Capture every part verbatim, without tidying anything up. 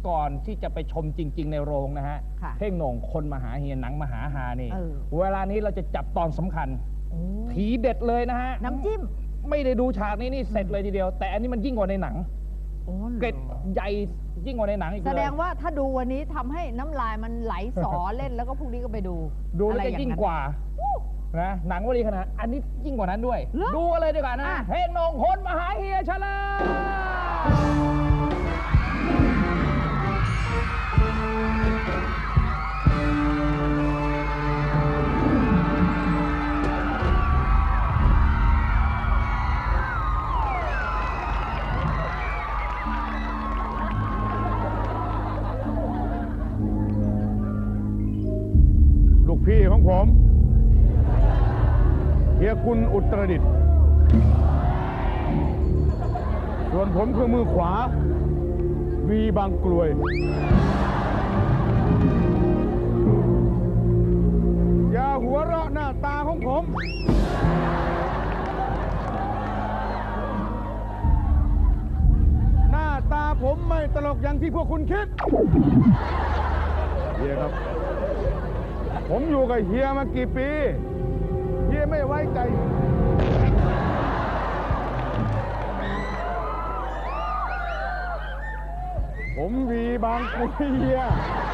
ก่อนที่จะไปชมจริงๆในโรงนะฮะเท่งโหน่งคนมาหาเฮียหนังมหาฮานี่เวลานี้เราจะจับตอนสำคัญทีเด็ดเลยนะฮะน้ำจิ้มไม่ได้ดูฉากนี้นี่เสร็จเลยทีเดียวแต่อันนี้มันยิ่งกว่าในหนังเกร็ดใหญ่ยิ่งกว่าในหนังอีกเลยแสดงว่าถ้าดูวันนี้ทำให้น้ำลายมันไหลสอเล่นแล้วก็พรุ่งนี้ก็ไปดูดูแล้วจะยิ่งกว่านะหนังว่าดีขนาดอันนี้ยิ่งกว่านั้นด้วยดูเลยดีกว่านะเท่งโหน่งคนมาหาเฮียเฉลิมลูกพี่ของผมเฮียกุลอุตรดิตถ์ส่วนผมคือมือขวาวีบางกลวยอย่าหัวเราะหน้าตาของผมหน้าตาผมไม่ตลกอย่างที่พวกคุณคิดเฮียครับผมอยู่กับเฮียมากี่ปีเฮียไม่ไว้ใจผมวีบางกลวยเฮีย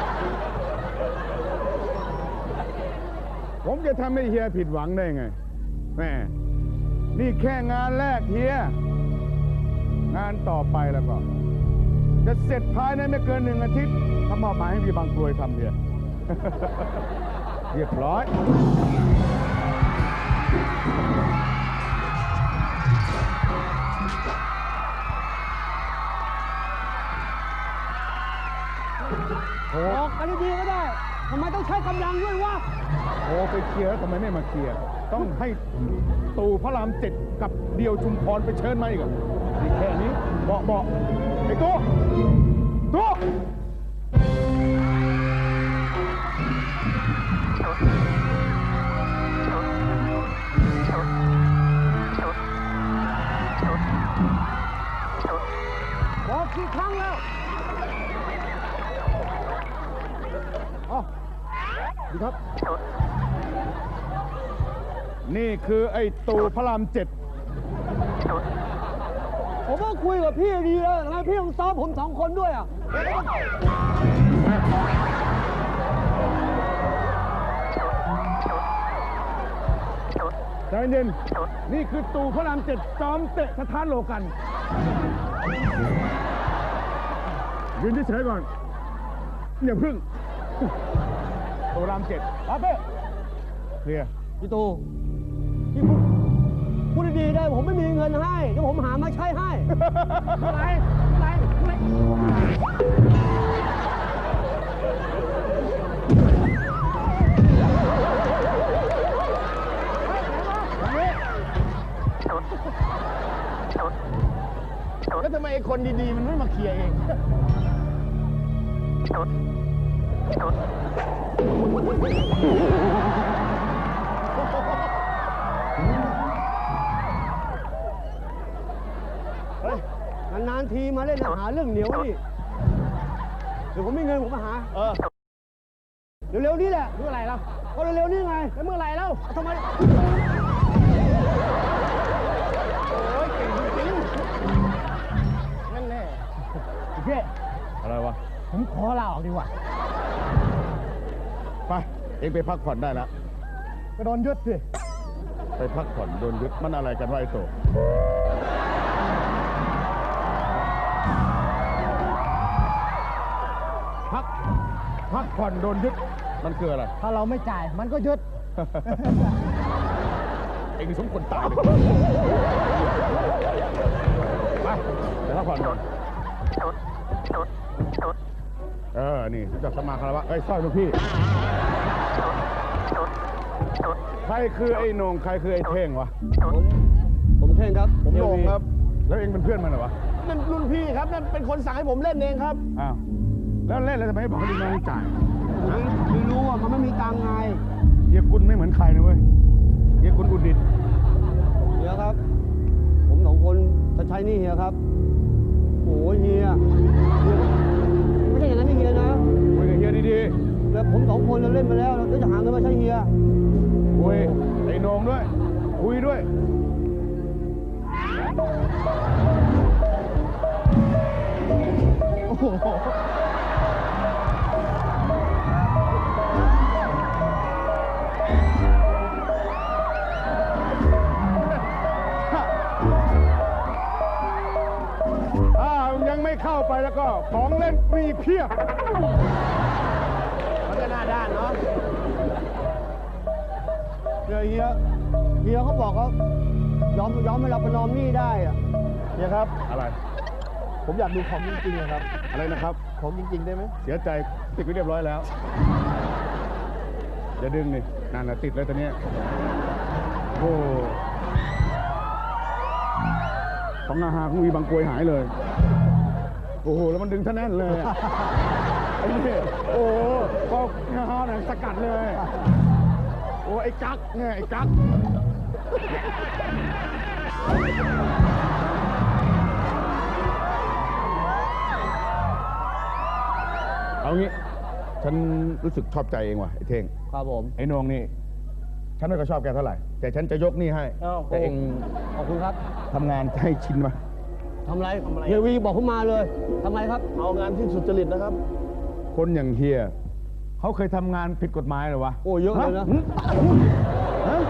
ผมจะทำให้เฮียผิดหวังได้ไงแม่นี่แค่งานแรกเฮียงานต่อไปแล้วก็จะเสร็จภายในไม่เกินหนึ่งอาทิตย์ถ้ามอบหมายให้วีบางกลวยทำเฮียเรียบร้อยโอ้กันดีๆก็ได้ทำไมต้องใช้กำลังด้วยวะโอ้ไปเคลียร์ทำไมไม่มาเคลียร์ต้องให้ตู่พระรามเจ็ดกับเดียวชุมพรไปเชิญมาอีกอ่ะนี่แค่นี้เบาะเบาะไอ้ตัวตัวบอกกี่ครั้งแล้วอ๋อดีครับนี่คือไอ้ตู่พระรามเจ็ดผมก็คุยกับพี่ดีแล้วทำไมพี่ต้องซ้อมผมสองคนด้วยอ่ะใจเย็นนี่คือตู่พระรามเจ็ดซ้อมเตะสถานโลกันยืนเฉยๆก่อนอย่าพึ่งตู่รามเจ็ดรับเป้เคลียร์พี่ตู่พี่พูดพูดดีๆได้ผมไม่มีเงินให้เดี๋ยวผมหามาใช้ให้อะไรอะไรแล้วทำไมไอ้คนดีๆมันไม่มาเคลียร์เองเฮ้ยนานๆทีมาเล่นหาเรื่องเหนียวนี่เดี๋ยวผมมีเงินผมมาหาเออเร็วๆนี่แหละเมื่อไหร่แล้วก็เร็วๆนี่ไงแล้วเมื่อไหร่แล้วทำไมโอ้ยเก่งจริงๆนั่นแน่เจ๊อะไรวะผมขอลาออกดีกว่าไปเองไปพักผ่อนได้แล้วก็โดนยึดสิไปพักผ่อนโดนยึดมันอะไรกันวะไอ้โตพักพักผ่อนโดนยึดมันคืออะไรถ้าเราไม่จ่ายมันก็ยึดเองสมควรตายเลยไปไปพักผ่อนก่อนเออนี่จับสมาคารวะไอ้สร้อยลูกพี่ใครคือไอ้โหน่งใครคือไอ้เท่งวะผมผมเท่งครับผมโหน่งครับแล้วเองเป็นเพื่อนมันเหรอวะนั่นรุ่นพี่ครับนั่นเป็นคนสั่งให้ผมเล่นเองครับอ้าวแล้วเล่นแล้วทำไมไม่บอกให้ลูกน้องจ่ายไม่รู้ว่ามันไม่มีตังค์ไงเฮียกุลไม่เหมือนใครนะเว้ยเฮียกุลอุดิตเฮียครับผมสองคนจะใช้นี่เฮียครับโอ้เฮียไม่ใช่คนเราเล่นไปแล้วเราจะหาเงินมาใช้เฮียคุยไอ้โหนงด้วย คุยด้วยโอ้โหอ้าวยังไม่เข้าไปแล้วก็ของเล่นมีเพียบมันก็หน้าด้านเนาะเฮียเฮียเฮียเขาบอกเขายอมยอมให้เราประนอมหนี้ได้อะเฮียครับอะไรผมอยากดูของจริงๆนะครับอะไรนะครับของจริงๆได้ไหมเสียใจติดไว้เรียบร้อยแล้วอย่าดึงนี่นั่นแหละติดเลยตอนนี้โอ้ของอาหารของวีบางกรวยหายเลย โอ้โห แล้วมันดึงท่าแน่นเลยอะไอ้นี่โอ้โหก็อาหารน่ะสกัดเลย โอ้ไอ้กั๊กเนี่ยไอ้กั๊กเอางี้ ฉันรู้สึกชอบใจเองว่ะไอ้เท่งครับผมไอ้นงนี่ ฉันไม่ก็ชอบแกเท่าไหร่ แต่ฉันจะยกหนี่ให้อ้าวแต่เองขอบคุณครับทำงานให้ชินมาทำไรเฮียวีบอกผมมาเลยทำไรครับ เอางานที่สุจริตนะครับคนอย่างเฮียเขาเคยทำงานผิดกฎหมายเหรอวะโอ้เยอะเลยนะฮฮะ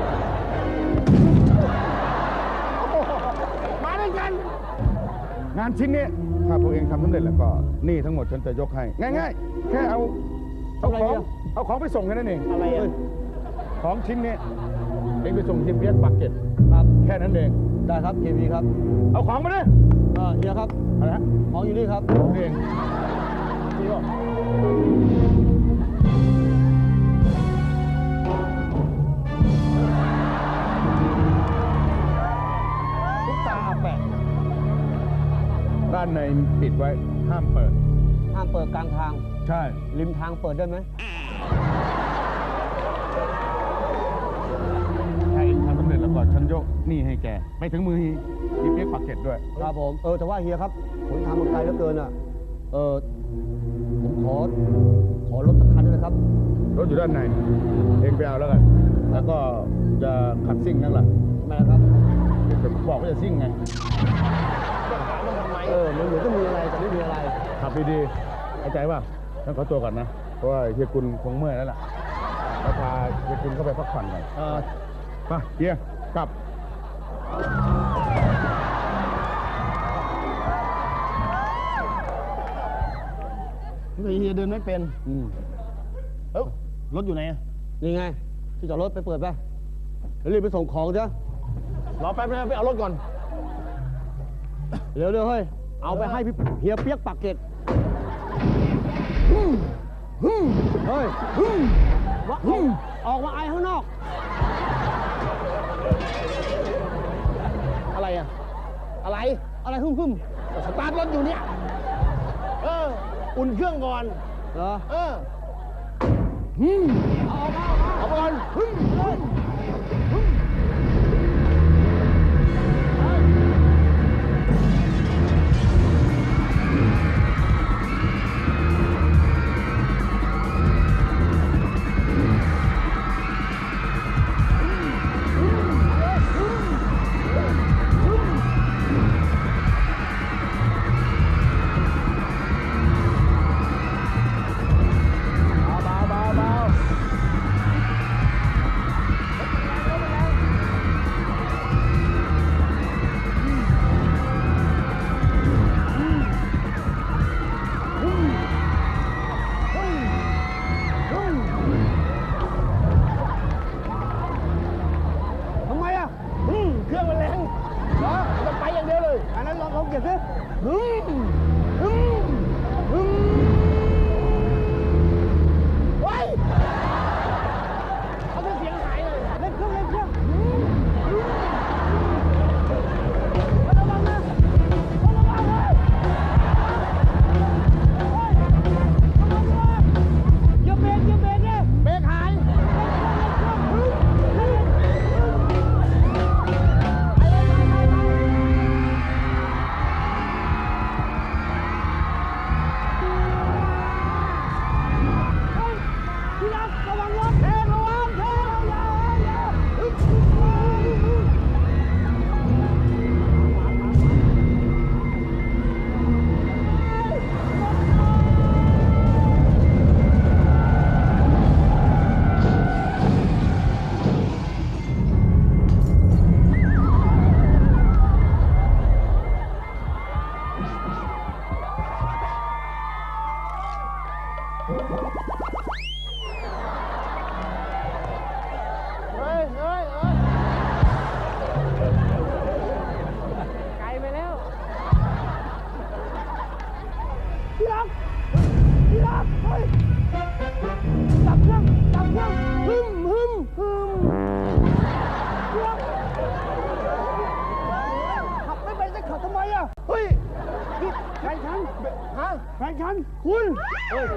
มาด้วยกัน งานชิ้นนี้ถ้าพวกเองทำสำเร็จแล้วก็หนี่ทั้งหมดฉันจะยกให้ ง่ายๆ แค่เอาเอาอะไรของเนี่ยเอาของไปส่งแค่นั้นเองอะไรอ่ะของชิ้นนี้เองไปส่งทีมเพียกปากเก็ตครับแค่นั้นเองได้ครับเฮียวีครับเอาของมาดิเออเฮียครับอะไรฮะของอยู่นี่ครับของเองนี่ก็ทุกตาอาแปะด้านในปิดไว้ห้ามเปิดห้ามเปิดกลางทางใช่ริมทางเปิดได้ไหมถ้าเองทำสำเร็จแล้วก็ฉันยกหนี่ให้แกไปถึงมือทีมเพียกปากเก็ตด้วยครับผม เออแต่ว่าเฮียครับ ผมทำมาไกลเหลือเกินอ่ะ เออผมขอ ขอรถสักคันด้วยนะครับรถอยู่ด้านใน เองไปเอาแล้วกัน แล้วก็จะขับซิ่งนั่นแหละทำไมนะครับเดี๋ยวจะบอกว่าจะซิ่งไงเออ มันเหมือนจะมีอะไรแต่ไม่มีอะไรขับดีๆเข้าใจป่ะฉันขอตัวก่อนนะ เพราะว่าเฮียกุลคงเมื่อยแล้วล่ะแล้วพาเฮียกุลเข้าไปพักผ่อนหน่อยเออไปเฮียกลับเฮียเดินไม่เป็น อืมเอ้ารถอยู่ไหนนี่ไง ที่จอดรถไปเปิดไปแล้วรีบไปส่งของจ้ะรอแป๊บนึงไปเอารถก่อนเร็วๆเฮ้ย เอาไปให้พี่เฮียเปียกปากเกร็ดเฮ้ยว่าออกออกมาไอข้างนอกอะไรอ่ะอะไร อะไรหึ่มหึ่มสตาร์ทรถอยู่เนี่ย เออ อุ่นเครื่องก่อนเหรอเออเอาออกมาเอาออกมาเอาไปก่อน เบาเบาเบาเฮ้ยเฮ้ยเฮ้ยไกลไปแล้วพี่รักพี่รักเฮ้ยดับเครื่องดับเครื่องฮึมฮึมฮึมพี่รักขับไม่ไปจะขับทำไมอ่ะเฮ้ยนี่แฟนฉันฮะแฟนฉันคุณเฮ้ย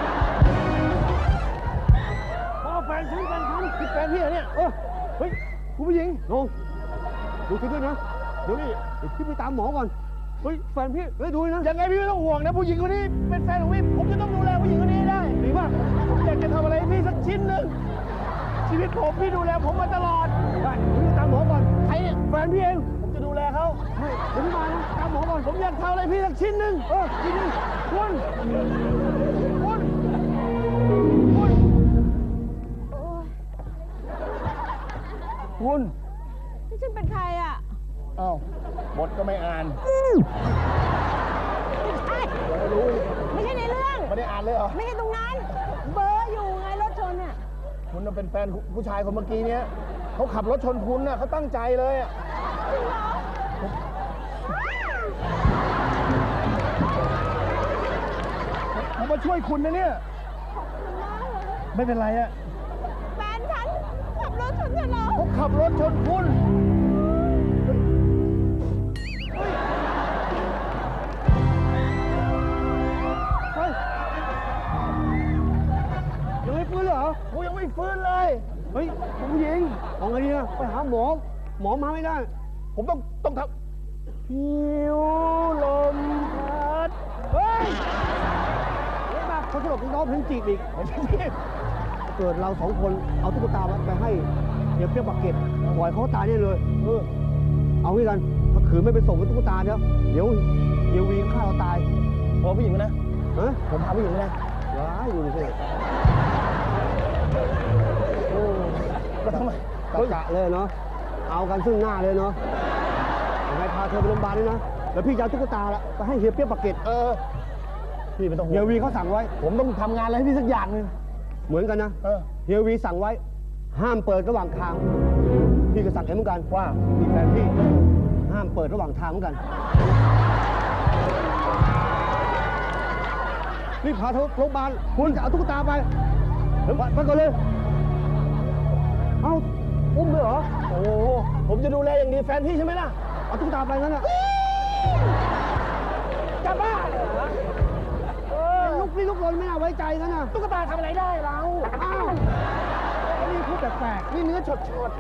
พ่อแฟนฉันแฟนฉันคือแฟนพี่เหรอเนี่ยเออเฮ้ยคุณผู้หญิงลงดูคิดด้วยนะเดี๋ยวนี่เดี๋ยวพี่ไปตามหมอก่อนเฮ้ยแฟนพี่เฮ้ยดูนะยังไงพี่ไม่ต้องห่วงนะผู้หญิงคนนี้เป็นแฟนของพี่ผมจะต้องดูแลผู้หญิงคนนี้ได้ดีมากผมอยากจะทำอะไรให้พี่สักชิ้นหนึ่งชีวิตผมพี่ดูแลผมมาตลอดได้พี่ไปตามหมอก่อนใครเนี่ยแฟนพี่เองผมจะดูแลเขาเฮ้ยเดี๋ยวพี่มานะตามหมอก่อนผมอยากทำอะไรพี่สักชิ้นหนึ่งเออชิ้นหนึ่งคุณคุณคุณคุณนี่ฉันเป็นใครอ่ะอ้าวบทก็ไม่อ่านไม่ใช่ ไม่ใช่ในเรื่องไม่ได้อ่านเลยเหรอไม่ใช่ตรงนั้น เบอร์อยู่ไงรถชนเนี่ยคุณน่ะเป็นแฟนผู้ชายคนเมื่อกี้เนี้ยเขาขับรถชนคุณน่ะเขาตั้งใจเลยอะจริงเหรอผมมาช่วยคุณนะเนี่ยขอบคุณมากเลยไม่เป็นไรอะแฟนฉันขับรถชนฉันเหรอเขาขับรถชนคุณเฮ้ยยังไม่ฟื้นเหรอกูยังไม่ฟื้นเลยเฮ้ยคุณผู้หญิงเอาไงดีนะไปหาหมอ หมอมาไม่ได้ผมต้องต้องทำพิวลมพัดเฮ้ยเฮ้ยมาเขาจะบอกน้องเพลงจีบอีกไม่ใช่พี่เกิดเราสองคนเอาตุ๊กตาไปให้เดี๋ยวเปรี้ยวปากเก็ตปล่อยเขาตายแน่เลยเออเอางี้กันถ้าขืนไม่ไปส่งกับตุ๊กตาเนี่ยเดี๋ยวเดี๋ยววีฆ่าเราตายพอผู้หญิงนะฮะผมพาผู้หญิงนะว้ายดูดิสิโอ้แล้วทำไมกะกะเลยเนาะเอากันซึ่งหน้าเลยเนาะยังไงพาเธอไปโรงพยาบาลด้วยนะแล้วพี่จะเอาตุ๊กตาละไปให้เฮียเปรี้ยวปากเก็ตเออ พี่ไม่ต้องห่เฮีวย งวีเขาสั่งไว้ผมต้องทำงานอะไรให้พี่สักอย่างหนึ่งเหมือนกันนะเออเฮียวีสั่งไว้ ห้ามเปิดระหว่างทาง พี่ก็สั่งเองเหมือนกันว่ามีแฟนพี่ ห้ามเปิดระหว่างทางเหมือนกันรีบพาเธอโรงพยาบาลคุณจะเอาตุ๊กตาไปเดี๋ยวไปก่อนเลย เอาอุ้มเลยเหรอโอ้โหผมจะดูแลอย่างดีแฟนพี่ใช่ไหมล่ะเอาตุ๊กตาไปงั้นอ่ะจะบ้าเหรอเออลุกนี่ลุกลนไม่น่าไว้ใจกันนะตุ๊กตาทำอะไรได้เราอ้าวไอ้นี่พูดแปลกนี่เนื้อฉดฉด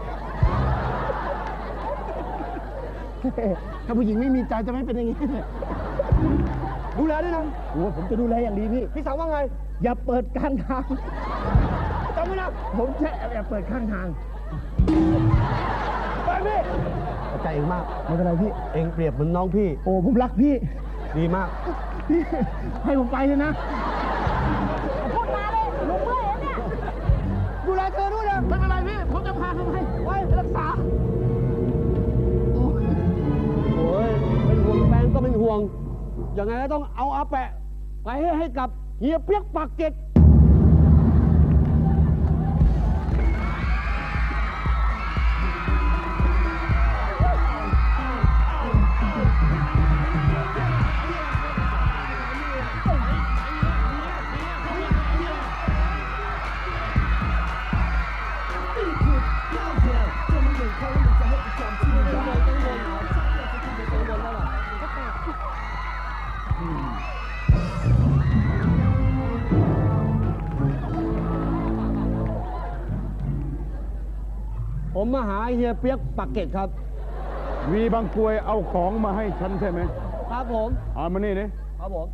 ถ้าผู้หญิงไม่มีใจจะไม่เป็นอย่างนี้ๆดูแลด้วยนะโอ้ผมจะดูแลอย่างดีพี่พี่สั่งว่าไงอย่าเปิดกลางทางจำไว้นะผมจะแอบเปิดข้างทางไปพี่ขอบใจเองมากไม่เป็นไรพี่เองเปรียบเหมือนน้องพี่โอ้ผมรักพี่ดีมากพี่ ให้ผมไปเลยนะพูดมาเลยลุงเมื่อยแล้วเนี่ยดูแลเธอด้วยนะไม่เป็นไรพี่ ผมจะพาเขาไปไว้รักษาโอ้ยเป็นห่วงแฟนก็เป็นห่วง ยังไงก็ต้องเอาอาแปะ ไปให้ให้กับเฮียเปียกปากเกร็ด ผมมาหาเฮียเปียกปากเกร็ดครับวีบางกรวยเอาของมาให้ฉันใช่ไหมครับผมเอามานี่ดิครับผม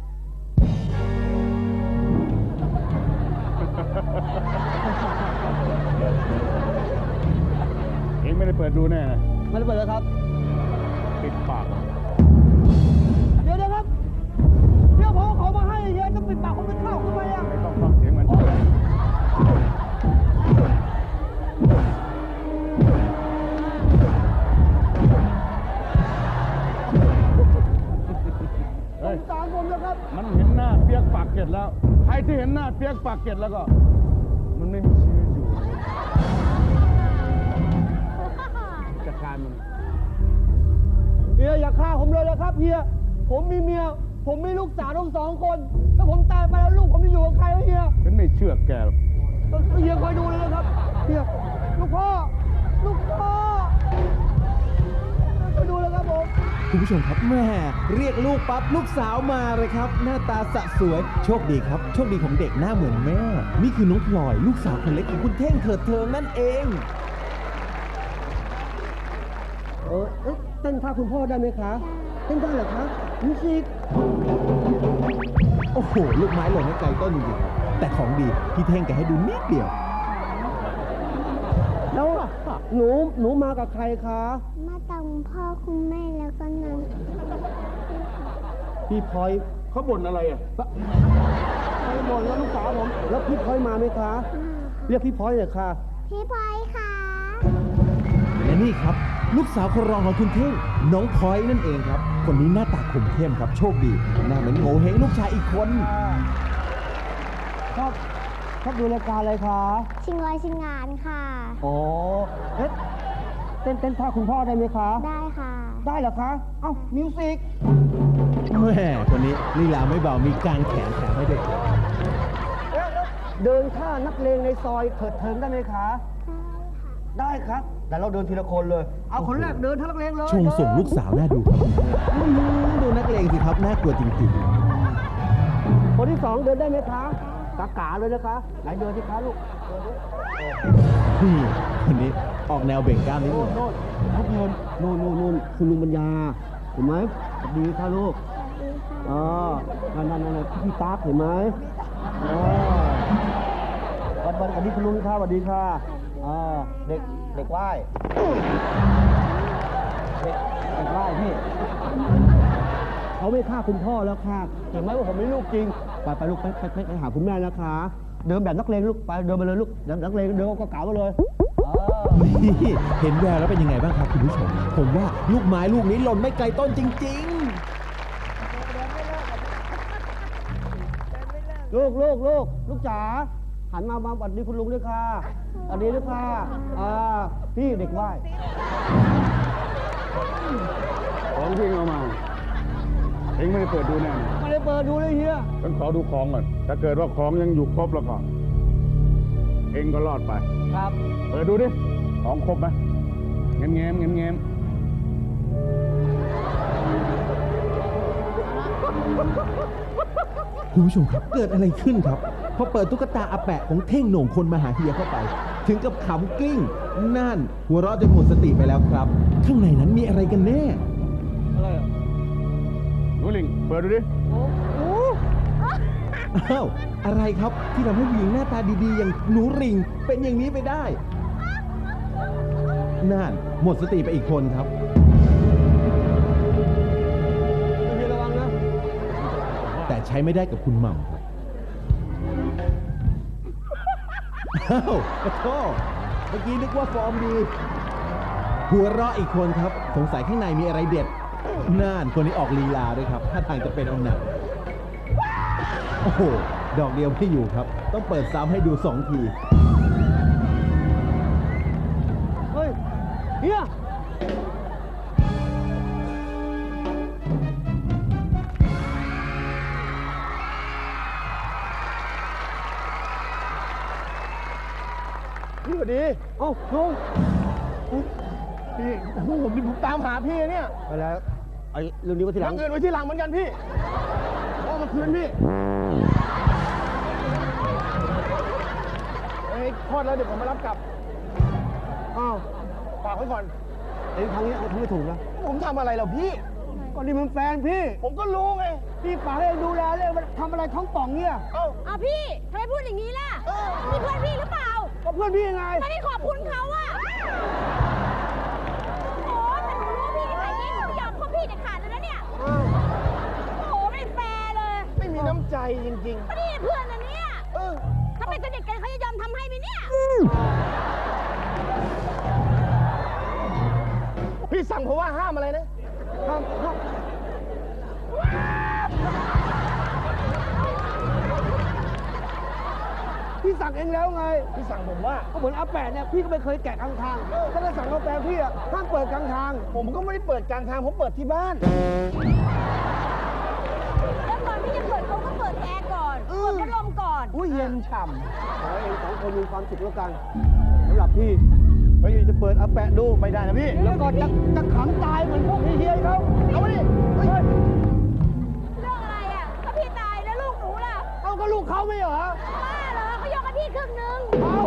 เองไม่ได้เปิดดูแน่นะไม่ได้เปิดเลยครับปิดปากเดี๋ยวเดี๋ยวครับเดี๋ยวผมเอาของมาให้เฮียจะปิดปากผมไม่เข้าทำไมอ่ะไม่ต้องฟังเสียงมันสงสารผมนะครับมันเห็นหน้าเปียกปากเกร็ดแล้วใครรที่เห็นหน้าเปียกปากเกร็ดแล้วก็ มันไม่มีชีวิตอยู่จัดการมันเฮียอย่าฆ่าผมเลยนะครับเฮียผมมีเมียผมมีลูกสาวทั้งสองคนถ้าผมตายไปแล้วลูกผมจะอยู่กับใครวะเฮียฉันไม่เชื่อแกหรอกเฮียคอยดูเลยนะครับเฮียลูกพ่อลูกพ่อคอยดูเลยครับผมคุณผู้ชมครับแม่เรียกลูกปั๊บลูกสาวมาเลยครับ หน้าตาสะสวยโชคดีครับ โชคดีของเด็กหน้าเหมือนแม่ นี่คือน้องพลอยลูกสาวคนเล็กของคุณเท่งเถิดเทิงนั่นเองเออเอ๊ะเต้นท่าคุณพ่อได้ไหมคะเต้นได้เหรอคะมิวสิกโอ้โห ลูกไม้หล่นให้ไกลต้นจริงๆครับแต่ของดีพี่เท่งแกให้ดูนิดเดียวแล้วหนูหนูมากับใครคะมาตามพ่อคุณแม่แล้วก็น้องพี่พลอยเขาบ่นอะไรอ่ะพลอยบอกแล้วลูกสาวผมแล้วพี่พลอยมาไหมคะเรียกพี่พลอยเลยค่ะพี่พลอยค่ะและนี่ครับ ลูกสาวคนรองของคุณเท่งน้องพลอยนั่นเองครับ คนนี้หน้าตาคมเข้มครับ โชคดีหน้าเหมือนโง่เฮงลูกชายอีกคนชอบชอบดูรายการอะไรคะชิงร้อยชิงงานค่ะอ๋อเอ๊ะเต้นเต้นท่าคุณพ่อได้ไหมคะได้ค่ะได้เหรอคะ เอ้ามิวสิกแม่คนนี้ลีลาไม่เบามีการแขนแถมให้ด้วยครับเดินท่านักเลงในซอยเถิดเทิงได้ไหมคะ ได้ครับ แต่เราเดินทีละคนเลย เอาคนแรกเดินท่านักเลงเลยชงส่งลูกสาวน่าดูครับอื้อหือดูนักเลงสิครับน่ากลัวจริงๆคนที่สองเดินได้ไหมคะกากาเลยนะคะ ไหนเดินสิคะลูกเดินดินี่คนนี้ออกแนวเบ่งกล้ามนิดโน่นึนงโน่นทุกคนโน่นโน่นโน่นคุณลุงปัญญา เห็นไหมสวัสดีค่ะลูกอ๋อนั่นนั่นนั่นพี่ตากเห็นไหมอ๋อวันวันวันนี้คุณลุงค่ะสวัสดีค่ะอ่าเด็กเด็กไหว้เด็กเด็กไหว้พี่เขาไม่ฆ่าคุณพ่อแล้วค่ะเห็นไหมว่าผมไม่ลูกจริงไปไปลูกไปไปไปไปหาคุณแม่นะคะ เดินแบบนักเลงลูกไปเดินไปเลยลูกนักเลงเดินก็เก๋าไปเลยอ่านี่เห็นแววแล้วเป็นยังไงบ้างครับคุณผู้ชม ผมว่าลูกไม้ลูกนี้หล่นไม่ไกลต้นจริงลูกลูกลูกลูกจ๋าหันมามาสวัสดีคุณลุงด้วยค่ะสวัสดีด้วยค่ะอ่าพี่เด็กไหว้ของที่เอามา เองไม่ได้เปิดดูแน่นะไม่ได้เปิดดูเลยเฮียฉันขอดูของก่อน ถ้าเกิดว่าของยังอยู่ครบแล้วก็ เองก็รอดไปครับเปิดดูดิ ของครบไหมเง้มเง้มเง้มเง้มๆ คุณผู้ชมครับเกิดอะไรขึ้นครับพอเปิดตุ๊กตาอาแปะของเท่งโหน่งคนมาหาเฮียเข้าไป ถึงกับขำกลิ้งนั่น หัวเราะจนหมดสติไปแล้วครับ ข้างในนั้นมีอะไรกันแน่อะไรอ่ะหนูลิง เปิดดูดิอ้าวอะไรครับที่ทำให้ผู้หญิงหน้าตาดีๆ อย่างหนูริงเป็นอย่างนี้ไปได้นั่นหมดสติไปอีกคนครับพี่ระวังนะแต่ใช้ไม่ได้กับคุณหม่ำครับอ้าวขอโทษเมื่อกี้นึกว่าฟอร์มดี หัวเราะอีกคนครับ สงสัยข้างในมีอะไรเด็ดน่านคนนี้ออกลีลาด้วยครับถ้าทางจะเป็นเอาหนักโอ้โห ดอกเดียวไม่อยู่ครับ ต้องเปิดซ้ำให้ดูสองทีเฮ้ยเฮียพี่สวัสดีเอ้าลุงพี่โอ้โหผมผมตามหาพี่เนี่ยไปแล้วไอ้เรื่องนี้ไว้ทีหลังเงินไว้ทีหลังเหมือนกันพี่เอามาคืนพี่เฮ้ยคลอดแล้วเดี๋ยวผมมารับกลับอ้าวฝากไว้ก่อนไอ้ทางนี้เอาทำไม่ถูกนะผมทำอะไรเหรอพี่ก็นี่มันแฟนพี่ ผมก็รู้ไงพี่ฝากให้ดูแลเลยมันทำอะไรท้องป่องเนี่ยเอ้าอ้าวพี่ทำไมพูดอย่างนี้ล่ะนี่เพื่อนพี่หรือเปล่าก็เพื่อนพี่ไงทำไมไม่ขอบคุณเขาอะโอ้ถ้าหนูรู้ว่าพี่นิสัยนี้หนูไม่ยอมคบพี่เด็ดขาดเลยนะเนี่ย โอ้โหไม่แฟร์เลยไม่มีน้ำใจจริงก็นี่เพื่อนนะเนี่ยๆเออถ้าเป็นสนิทกันเขาจะยอมทำให้ไหมเนี่ยพี่สั่งผมว่าห้ามอะไรนะห้ามห้ามสั่งเองแล้วไงพี่สั่งผมว่าก็เหมือนอาแปะเนี่ยพี่ก็ไม่เคยแกะกลางทางถ้าจะสั่งอาแปะพี่อะห้ามเปิดกลางทาง ผมก็ไม่ได้เปิดกลางทางผมเปิดที่บ้านแล้วก่อนที่จะเปิดเขาก็เปิดแอร์ก่อน เปิดพัดลมก่อนอุ้ยเย็นฉ่ำขอให้เองสองคนมีความสุขแล้วกันสำหรับพี่เฮ้ยจะเปิดอาแปะดูไม่ได้นะพี่แล้วก็จะจะขังตายเหมือนพวกเฮียๆเขาเอาไปดิเฮ้ยเรื่องอะไรอ่ะถ้าพี่ตายแล้วลูกหนูล่ะเอาก็ลูกเขาไม่เหรอบ้าเหรอเขายกให้พี่ครึ่งหนึงเอา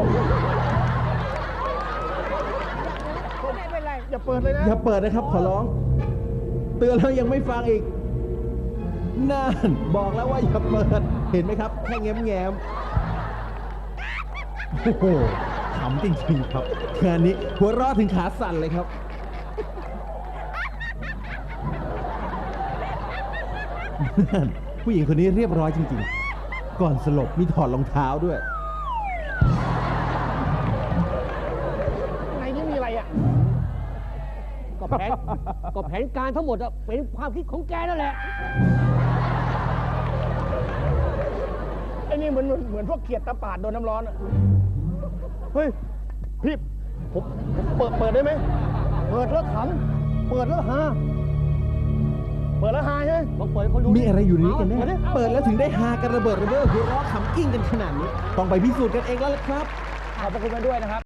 ไม่เป็นไรอย่าเปิดเลยนะอย่าเปิดนะครับขอร้อง เตือนแล้วยังไม่ฟังอีกนั่นบอกแล้วว่าอย่าเปิด เห็นไหมครับ แค่แง้มแง้มๆโอ้โหขำจริงๆครับงานนี้หัวเราะถึงขาสั่นเลยครับนั่นผู้หญิงคนนี้เรียบร้อยจริงๆ ก่อนสลบมีถอดรองเท้าด้วยในนี้มีอะไรอ่ะ ก็แผน ก็แผนการทั้งหมดอะเป็นความคิดของแกนั่นแหละ ไอ้นี่เหมือนเหมือนพวกเขียดตะปาดโดนน้ำร้อนอะเฮ้ย พี่ผมผมเปิดเปิดได้ไหม เปิดแล้วขำเปิดแล้วฮาเปิดแล้วฮาใช่ไหมลองเปิดให้คนดูมีอะไรอยู่ในนี้กันแน่อาดิเปิดแล้วถึงได้ฮากันระเบิดระเบ้อหัวเราะขำกิ้งกันขนาดนี้ ต้องไปพิสูจน์กันเองแล้วล่ะครับขอบพระคุณมาด้วยนะครับ